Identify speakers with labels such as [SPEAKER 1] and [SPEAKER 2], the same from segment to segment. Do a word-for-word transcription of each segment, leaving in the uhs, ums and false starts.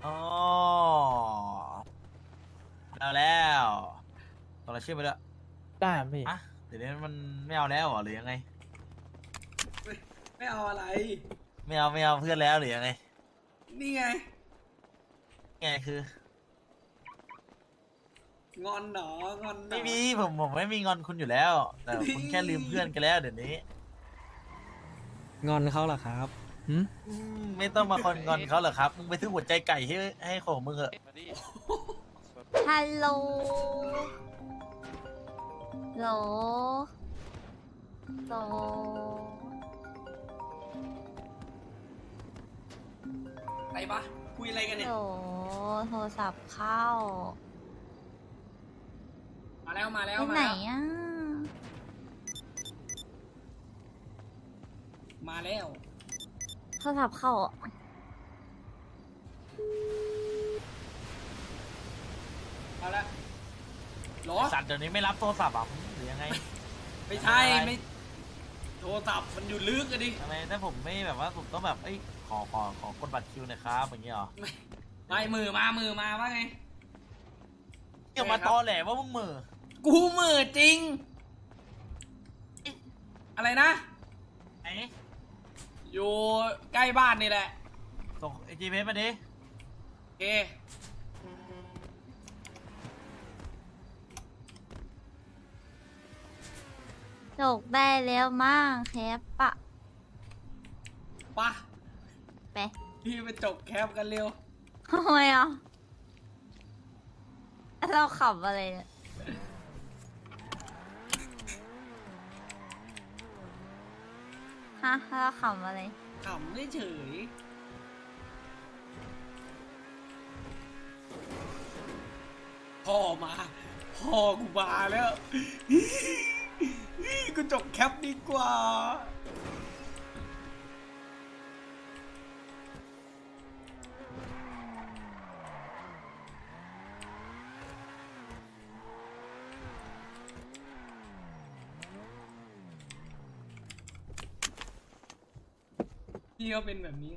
[SPEAKER 1] อ๋อเอาแล้วตอนเราชื่อไปแล้ว
[SPEAKER 2] ได้ครับพี่
[SPEAKER 1] อะเดี๋ยวนี้มันไม่เอาแล้วเหรอหรือยังไง
[SPEAKER 3] ไม่ไม่เอาอะไร
[SPEAKER 1] ไม่เอาไม่เอาเพื่อนแล้วหรือยังไง
[SPEAKER 3] นี่ไง
[SPEAKER 1] ไงคือ
[SPEAKER 3] งอนหนองอนหนอ
[SPEAKER 1] ไม่มีผมผมไม่มีงอนคุณอยู่แล้ว แต่คุณแค่ลืมเพื่อนกันแล้วเดี๋ยวนี้
[SPEAKER 2] งอนเขาเหรอครับหืม
[SPEAKER 1] อืมไม่ต้องมาคอนงอนเขาเหรอครับมึงไปซื้อหัวใจไก่ให้ให้ของมึงเหอะ
[SPEAKER 4] ฮัลโหลโหลโหล
[SPEAKER 3] อะไรปะคุยอะไรกันเนี่ย
[SPEAKER 4] โหลโทรศัพท์เข้า
[SPEAKER 3] มาแล้วมาแล้ว
[SPEAKER 4] ไป
[SPEAKER 3] มา
[SPEAKER 4] ไหน
[SPEAKER 3] แล้ว
[SPEAKER 4] อ่ะ
[SPEAKER 3] มาแล้ว
[SPEAKER 4] โทรศัพท์เข้าอ่ะ
[SPEAKER 3] เอาละหรอ
[SPEAKER 1] สัตว์เดี๋ยวนี้ไม่รับโทรศัพท์อ่ะหรือยังไง
[SPEAKER 3] ไม่ใช่ไม่โทรศัพท์มันอยู่ลึกอะดิ
[SPEAKER 1] ทำไมถ้าผมไม่แบบว่าผมต้องแบบเอ้ยขอขอขอกดบัตรคิวหน่อยครับอย่างเงี้ยเหรอ
[SPEAKER 3] ไม่ไม่มือมามือมาว่าไง
[SPEAKER 1] อย่ามาตอแหลว่ามึงเหมือ
[SPEAKER 3] กูมือจริง อะไรนะ
[SPEAKER 1] ไอ้
[SPEAKER 3] อยู่ใกล้บ้านนี่แหละ
[SPEAKER 1] ส่งไอจีเพมาดิ
[SPEAKER 3] โอเค
[SPEAKER 4] จกได้แล้วมั่งแคปปะ
[SPEAKER 3] ปะ
[SPEAKER 4] ไป
[SPEAKER 3] พี่ไปจบแคปกันเร็ว
[SPEAKER 4] ทำไมอ่ะเราขับอะไรเนี่ยฮะเราขับอะไร
[SPEAKER 3] ขำไม่เฉยพ่อมา พ่อกูมาแล้ว กูจบแคปดีกว่า พี่ก็เป็นแบบนี้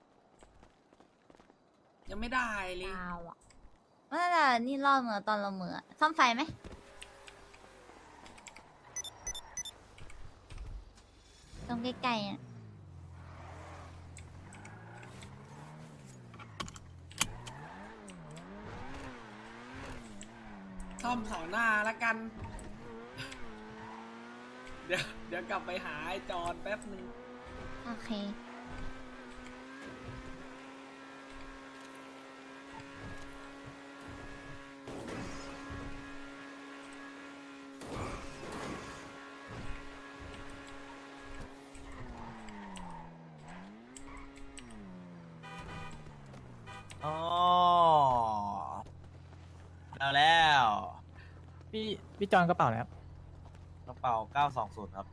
[SPEAKER 3] ยังไม่ได้เลย
[SPEAKER 4] ดาวอ่ะว่าแต่นี่รอดเหมือตอนเราเหมือซ่อมไฟไหมตรงใกล้ๆอ่ะ
[SPEAKER 3] ซ่อมเสาหน้าละกัน เดี๋ยวเดี๋ยวกลับไปหาไอ้จอนแป๊บนึง
[SPEAKER 4] โอเค
[SPEAKER 1] อ๋อเอาแล้ว
[SPEAKER 2] พี่พี่จอนกระเป๋าแล้ว
[SPEAKER 1] กระเป๋าเก้าสองศูนย์ครับ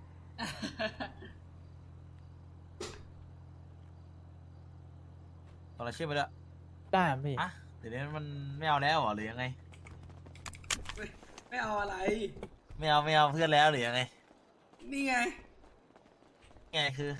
[SPEAKER 1] ตอนเราชื่อไปแล้ว
[SPEAKER 2] ได้ครับพี่
[SPEAKER 1] อะเดี๋ยวนี้มันไม่เอาแล้วเหรอหรือยังไง
[SPEAKER 3] ไม่ไม่เอาอะไร
[SPEAKER 1] ไม่เอาไม่เอาเพื่อนแล้วหรือยังไง
[SPEAKER 3] นี่ไง
[SPEAKER 1] ไงคือ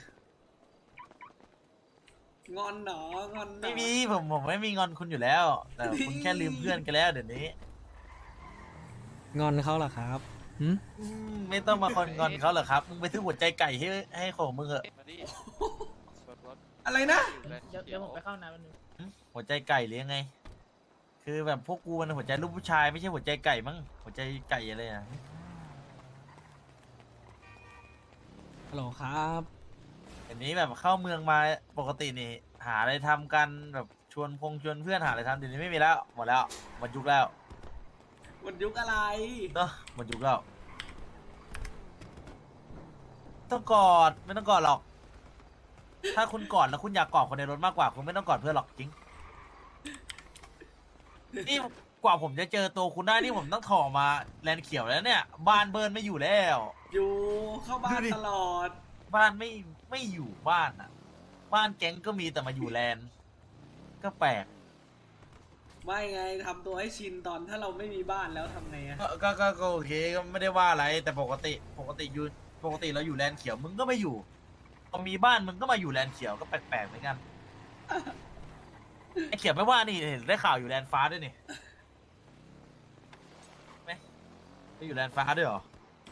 [SPEAKER 3] งอนหนองอนหนอ
[SPEAKER 1] ไม่มีผมผมไม่มีงอนคุณอยู่แล้ว แต่คุณแค่ลืมเพื่อนกันแล้วเดี๋ยวนี้
[SPEAKER 2] งอนเขาเหรอครับหืม
[SPEAKER 1] อืมไม่ต้องมาคอนงอนเขาเหรอครับมึงไปซื้อหัวใจไก่ให้ให้ของมึงเหอะ
[SPEAKER 3] อะไรนะ
[SPEAKER 2] เดี๋ยวผมไปเข้าน้ำแป๊บนึง
[SPEAKER 1] หึหัวใจไก่หรือยังไง คือแบบพวกกูมันหัวใจลูกผู้ชายไม่ใช่หัวใจไก่มั้งหัวใจไก่อะไรอ่ะ
[SPEAKER 2] ฮัลโหลครับ
[SPEAKER 1] อันนี้แบบเข้าเมืองมาปกตินี่หาอะไรทำกันแบบชวนพงชวนเพื่อนหาอะไรทำเดี๋ยวนี้ไม่มีแล้วหมดแล้วหมดยุคแล้ว
[SPEAKER 3] หมดยุคอะไร
[SPEAKER 1] เนาะหมดยุคแล้วต้องกอดไม่ต้องกอดหรอก ถ้าคุณกอดแล้วคุณอยากกอดคนในรถมากกว่าคุณไม่ต้องกอดเพื่อนหรอกจริงนี่กว่าผมจะเจอตัวคุณได้นี่ผมต้องถอมาแลนด์เขียวแล้วเนี่ย บ้านเบิร์นไม่อยู่แล้ว
[SPEAKER 3] อยู่เข้าบ้าน
[SPEAKER 1] ดูดิ
[SPEAKER 3] ตลอด
[SPEAKER 1] บ้านไม่ไม่อยู่บ้านอ่ะ บ้านแก๊งก็มีแต่มาอยู่แลนด์ก็แปลก
[SPEAKER 3] ไม่ไงทำตัวให้ชินตอนถ้าเราไม่มีบ้านแล้วทำไงอะ
[SPEAKER 1] ก็ก็ก็ก็โอเคก็ไม่ได้ว่าอะไร แต่ปกติปกติอยู่ปกติเราอยู่แลนด์เขียวมึงก็ไม่อยู่พอมีบ้านมึงก็มาอยู่แลนด์เขียวก็แปลกๆเหมือนกันไอ้เขียบไม่ว่านี่เห็นได้ข่าวอยู่แลนด์ฟ้าด้วยนี่ไหมไปอยู่แลนด์ฟ้าด้วยเหรอ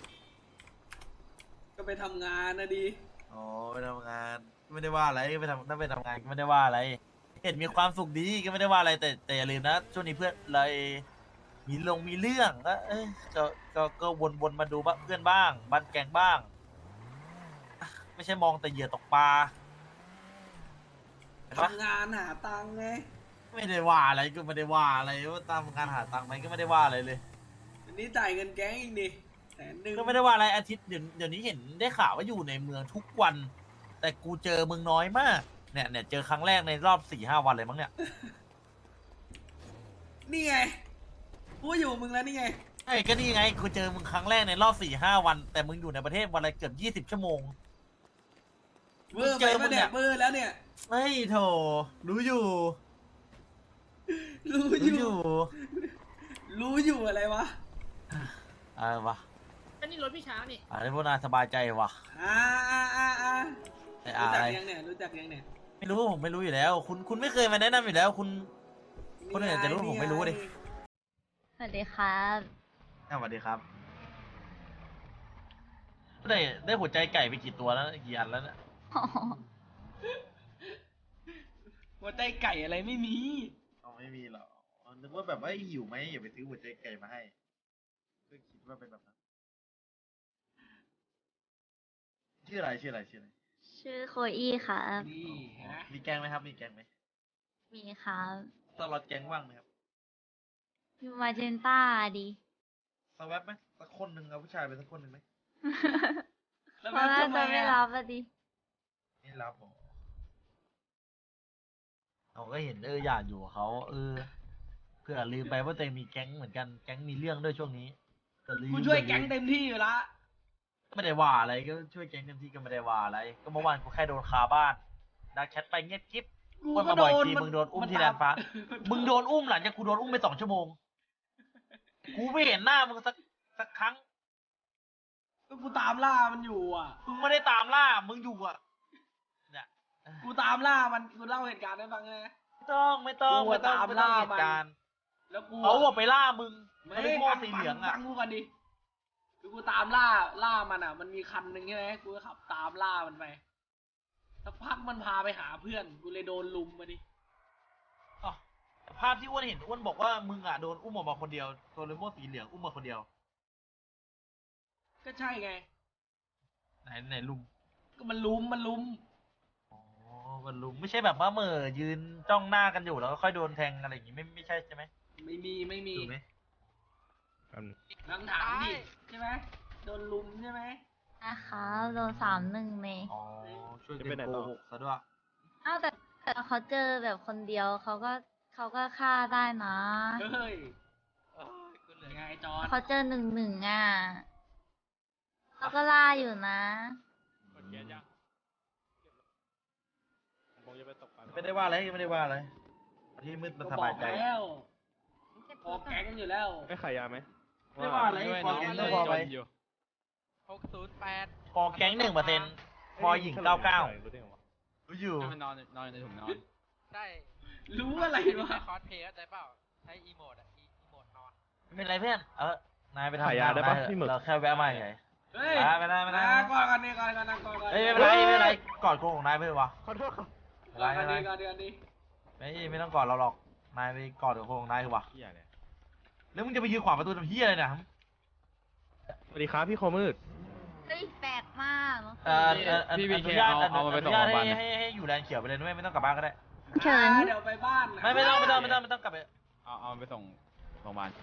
[SPEAKER 3] ก็ไปทำงานนะดี
[SPEAKER 1] อ๋อไปทำงานไม่ได้ว่าอะไรไปทำถ้าไปทำงานก็ไม่ได้ว่าอะไร เห็นมีความสุขดีก็ไม่ได้ว่าอะไรแต่แต่อย่าลืมนะช่วงนี้เพื่อนอะไรมีลงมีเรื่องก็เอ้ยก็ก็ก็วนวนมาดูบ้านเพื่อนบ้างบ้านแกงบ้างอ่ะไม่ใช่มองแต่เหยื่อตกปลาเห็นปะ
[SPEAKER 3] ทำงานหาตังค์ไง
[SPEAKER 1] ไม่ได้ว่าอะไรก็ไม่ได้ว่าอะไรว่าตามการหาตังค์ไหมก็ไม่ได้ว่าอะไรเลย
[SPEAKER 3] อันนี้จ่ายเงินแก๊งอีกดิแสนหนึ่ง
[SPEAKER 1] ก็ไม่ได้ว่าอะไรอาทิตย์เดี๋ยวเดี๋ยวนี้เห็นได้ข่าวว่าอยู่ในเมืองทุกวัน แต่กูเจอมึงน้อยมากเนี่ยเนี่ยเจอครั้งแรกในรอบสี่ห้าวันเลยมั้งเนี่ย
[SPEAKER 3] นี่ไงพูดอยู่มึงแล้วนี่ไง
[SPEAKER 1] ไอ้ก็นี่ไงกูเจอมึงครั้งแรกในรอบสี่ห้าวัน แต่มึงอยู่ในประเทศวันละเกือบยี่สิบชั่วโมง
[SPEAKER 3] เบอร์ไปปะเนี่ยเบอร์แล้วเนี่ย
[SPEAKER 1] เฮ้ยโถรู้อยู่
[SPEAKER 3] รู้
[SPEAKER 1] รู้
[SPEAKER 3] อ
[SPEAKER 1] อยู่ ยู่
[SPEAKER 3] รู้อยู่อะไรวะ
[SPEAKER 1] อะไรวะ
[SPEAKER 5] อันนี้รถพี่ช้างนี่
[SPEAKER 1] อะไรพวกนายสบายใจวะ
[SPEAKER 3] อ่าอ่าอ่าอ่า
[SPEAKER 1] ไอ้
[SPEAKER 3] รู้
[SPEAKER 1] อะ
[SPEAKER 3] จัก
[SPEAKER 1] ไร
[SPEAKER 3] ยังเนี่ยรู้จักยังเนี่ย
[SPEAKER 1] ไม่รู้ผมไม่รู้อยู่แล้ว คุณคุณไม่เคยมาแนะนำอยู่แล้ว คุณ คนอื่นอาจจะรู้ผมไม่รู้ดิ
[SPEAKER 4] สวัสดีครับ
[SPEAKER 1] สวัสดีครับได้ได้หัวใจไก่ไปกี่ตัวแล้วกี่อันแล้วเนี่ย
[SPEAKER 3] หัวใจไก่อะไรไม่มี
[SPEAKER 1] เอาไม่มีหรอกนึกว่าแบบว่าหิวไหมอย่าไปซื้อหัวใจไก่มาให้ก็คิดว่าเป็นแบบนั้นชื่ออะไรชื่ออะไรชื่ออะไร
[SPEAKER 4] ชื่อโคอี้ครับ
[SPEAKER 3] นี่นะ
[SPEAKER 1] มีแกงไหมครับ มีแกงไหม
[SPEAKER 4] มีครับ
[SPEAKER 1] สล็อตแกงว่างไหมครับ
[SPEAKER 4] อยู่มาเจนต้าดี
[SPEAKER 1] สแวบไหมสักคนหนึ่งเอาผู้ชายไปสักคนหนึ่งไหม
[SPEAKER 3] แล้ว
[SPEAKER 4] เพราะน่า
[SPEAKER 3] ทำ
[SPEAKER 4] จะไม่
[SPEAKER 3] อะ
[SPEAKER 4] รับอะดิ
[SPEAKER 1] ไม่รับหรอเราก็เห็นเอออยากอยู่กับเขาเออเพื่อลืมไปว่าตัวเองมีแก๊งเหมือนกันแก๊งมีเรื่องด้วยช่วงนี้ก็ลืม
[SPEAKER 3] กูช่วยแก๊งเต็มที่อยู่ละ
[SPEAKER 1] ไม่ได้ว่าอะไรก็ช่วยแก๊งเต็มที่ก็ไม่ได้ว่าอะไร ก็เมื่อวานกูแค่โดนคาบ้านดักแชทไปเงียบกิ๊บ
[SPEAKER 3] กู
[SPEAKER 1] วัน
[SPEAKER 3] ก็
[SPEAKER 1] มา
[SPEAKER 3] โด
[SPEAKER 1] บ่อย
[SPEAKER 3] น
[SPEAKER 1] ทีมึงโดนอุ้มที่แลนด์ฟ้า มึงโดนอุ้มหลังจากกูโดนอุ้มไปสองชั่วโมง กูไม่เห็นหน้ามึงสักสักครั้ง
[SPEAKER 3] ก็กูตามล่ามันอยู่อ่ะ
[SPEAKER 1] มึงไม่ได้ตามล่า มึงอยู่อ่ะ เนี่ย
[SPEAKER 3] กูตามล่ามันกูเล่าเหตุการณ์ให้ฟังไง
[SPEAKER 1] ไม่ต้องไม่ต้อง
[SPEAKER 3] กู
[SPEAKER 1] ไม่ต้อง
[SPEAKER 3] ตาม
[SPEAKER 1] ไม่ต้อง
[SPEAKER 3] ล่า
[SPEAKER 1] เหตุการณ์
[SPEAKER 3] แล้วกู
[SPEAKER 1] เขาบอกไปล่ามึง
[SPEAKER 3] ไม่
[SPEAKER 1] ไม่ได้โม่สีเหลืองอ่ะ
[SPEAKER 3] ฟังกูก่อนดิคือกูตามล่าล่ามันอ่ะ มันมีคันหนึ่งใช่ไหมกูก็ขับตามล่ามันไปสักพักมันพาไปหาเพื่อน กูเลยโดนลุมมาดิ
[SPEAKER 1] อ๋อแต่ภาพที่อ้วนเห็นอ้วนบอกว่ามึงอ่ะโดนอุ้มออกมาคนเดียวตัวเลโม่สีเหลืองอุ้มมาคนเดียว
[SPEAKER 3] ก็ใช่ไง
[SPEAKER 1] ไหนไหนลุม
[SPEAKER 3] ก็มันลุมมันลุม
[SPEAKER 1] อ๋อมันลุมไม่ใช่แบบว่าเหม่อยืนจ้องหน้ากันอยู่แล้วก็ค่อยโดนแทงอะไรอย่างงี้ไม่ไม่ใช่ใช่ไหม
[SPEAKER 3] ไม่มีไม่มี
[SPEAKER 1] ถูกไหม
[SPEAKER 3] ลองถามดิใช่ไหมโดนลุมใช่ไหม
[SPEAKER 4] นะครับโดนสามหนึ่งเลย
[SPEAKER 1] อ๋อช่วยเป็นโกหกซะด้วย
[SPEAKER 4] อ้าวแต่แต่เขาเจอแบบคนเดียวเขาก็เขาก็ฆ่าได้นะ
[SPEAKER 3] เฮ้ยยังไงจอน
[SPEAKER 4] เขาเจอหนึ่งหนึ่งอ่ะเขาก็ล่าอยู่นะ
[SPEAKER 1] ไม่ได้ว่าอะไรไม่ได้ว่าอะไรที่มืดมันสบายใจ
[SPEAKER 3] ก็บอกแล้วพอแก๊งอยู่แล้ว
[SPEAKER 6] ไม่ขายยาไหม
[SPEAKER 1] ไม่ได้ว่าอะไรพอแก๊งก็พอไป
[SPEAKER 5] หกศูนย์แปด
[SPEAKER 1] พอแก๊งหนึ่งเปอร์เซ็นต์พอหญิงเก้าเก้ารู้อยู่
[SPEAKER 7] มันนอนนอนในถุงนอน
[SPEAKER 5] ใช่
[SPEAKER 3] รู้อะไร
[SPEAKER 5] ไม่
[SPEAKER 3] วะ
[SPEAKER 5] ใช่คอสเพลย์เข้าใจเปล่า ใช้อีโมดอะอีโมดนอน
[SPEAKER 1] ไม่เป็นไรเพื่อนเออนายไปทำ
[SPEAKER 6] ขายยาได้ปะ
[SPEAKER 1] งนน
[SPEAKER 6] พี่หมึก
[SPEAKER 1] เราแค่แวะมาเฉย
[SPEAKER 3] เฮ้ย
[SPEAKER 1] อ่าไม่ได้ไม่ได้
[SPEAKER 3] อ่ะก่อนกันนี่ก่อนกันนะก่อนกัน
[SPEAKER 1] เอ้ยไม่เป็นไรไม่เป็นไรกอดโกงของนายไปเถอะวะ
[SPEAKER 6] ขอโทษครับ
[SPEAKER 1] ไม่
[SPEAKER 3] ก่
[SPEAKER 1] เป็
[SPEAKER 3] อน
[SPEAKER 1] น
[SPEAKER 3] กั
[SPEAKER 1] ไร
[SPEAKER 3] น
[SPEAKER 1] ไม่
[SPEAKER 3] นี่
[SPEAKER 1] เป็นไร
[SPEAKER 3] ก่อนเดือนนี้
[SPEAKER 1] ไม่ไม่ต้องกอดเราหรอกนายไปกอดโกงของนายเถอะวะ
[SPEAKER 6] เฮียเนี่ย
[SPEAKER 1] แล้วมึงจะไปยืนขวางประตูทำเฮียอะไรเนี่ย
[SPEAKER 6] สวัสดีครับพี่โคมืด
[SPEAKER 4] เฮ้ยแปลกมาก
[SPEAKER 1] เอ่อเอ่ออ
[SPEAKER 7] พี่
[SPEAKER 1] อ
[SPEAKER 7] พี
[SPEAKER 1] นุ
[SPEAKER 7] เค
[SPEAKER 1] ญาต
[SPEAKER 7] เอาเอามาไปส่ง
[SPEAKER 1] อนุญาต
[SPEAKER 7] โรงพยาบาล
[SPEAKER 1] ให้ให้ให้อยู่แลนด์เขียวไปเลยด้วยไม่ต้องกลับบ้านก็ได้
[SPEAKER 4] เฉิน
[SPEAKER 3] อ่ะเดี๋ยวไปบ้าน
[SPEAKER 1] ไม่ไม่ต้องไม่ต้องไม่ต้องไม่ต้องกลับไป
[SPEAKER 7] เอาเอาไปส่งโรงพยาบาล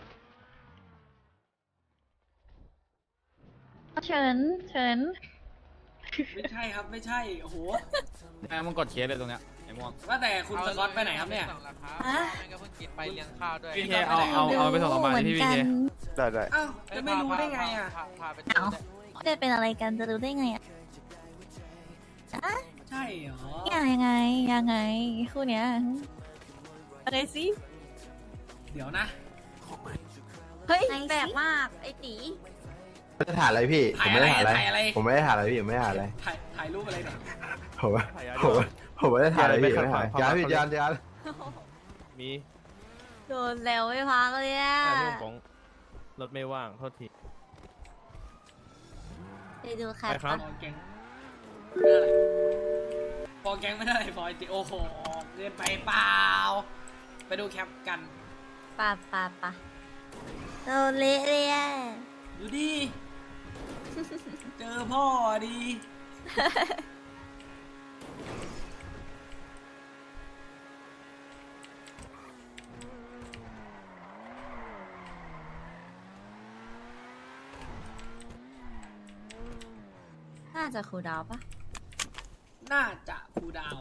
[SPEAKER 4] เฉินเฉิน
[SPEAKER 3] ไม่ใช่ครับไม่ใช่โอ้โห
[SPEAKER 7] แม่มึงกดเคสเลยตรงเนี้ยไอ้ม่วง
[SPEAKER 3] ว่าแต่คุณสกอตไปไหนครับเนี่ย
[SPEAKER 5] ส่งแล้วครับ
[SPEAKER 4] ฮะ
[SPEAKER 5] แม่งก็เพิ่งกินไปเลี้ยงข้าวด้วย
[SPEAKER 7] พี่เคเอาเอาเอาไปส่งโรงพยาบาลที่พี่เค
[SPEAKER 6] ได้ได้
[SPEAKER 3] อ้าวจะไม่รู้ได้ไงอ่ะ
[SPEAKER 5] พาพาไปเจอ
[SPEAKER 4] เอ้าจะเป็นอะไรกันจะรู้ได้ไงอ่ะอะ
[SPEAKER 3] ใช่เหรอ
[SPEAKER 4] ยังไงยังไงคู่เนี้ยอะไรสิ
[SPEAKER 3] เดี๋ยวนะ
[SPEAKER 4] เฮ้ยแปลกมากไอตี
[SPEAKER 8] ไม่ได้ถ่ายอะไรพี่ ผมไม่ได้ถ่ายอะไร
[SPEAKER 3] ถ่ายอะไร
[SPEAKER 8] ผมไม่ได้ถ่ายอะไรพี่ผมไม่ได้ถ่ายอะไร
[SPEAKER 3] ถ่ายถ่ายรูปอะไรเนี่ย
[SPEAKER 8] ผมว่า
[SPEAKER 6] ขายยา
[SPEAKER 8] ผมว่าผมไม่ได้ถ่ายอะไรพี่
[SPEAKER 6] อย่า
[SPEAKER 8] ไม่
[SPEAKER 6] ไป
[SPEAKER 8] ได้ถ่าย
[SPEAKER 6] ขัดขวาง
[SPEAKER 8] ยานพี่
[SPEAKER 6] ความรัก
[SPEAKER 8] ยานยาน
[SPEAKER 6] มี
[SPEAKER 4] โดนแล้วไม่พักเลยอะ
[SPEAKER 6] แต่เรื่องของรถไม่ว่างโทษที
[SPEAKER 4] ไปดูแคป
[SPEAKER 6] ไปครับ
[SPEAKER 3] พอแกงเรื่องอะไรพอแกงไม่ได้พอจิโอ้โหเกินไปเปล่า ไปดูแคปกัน
[SPEAKER 4] ปะปะปะโดนเละเลยอะ
[SPEAKER 3] ดูดิ เจอพ่อดี
[SPEAKER 4] น่าจะครูดาวปะ
[SPEAKER 3] น่าจะครูดาว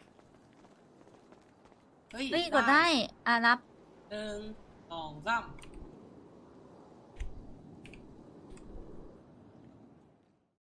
[SPEAKER 3] เฮ้ย
[SPEAKER 4] เฮ้ยกดได้ อ่ะนับ
[SPEAKER 3] หนึ่งสองสาม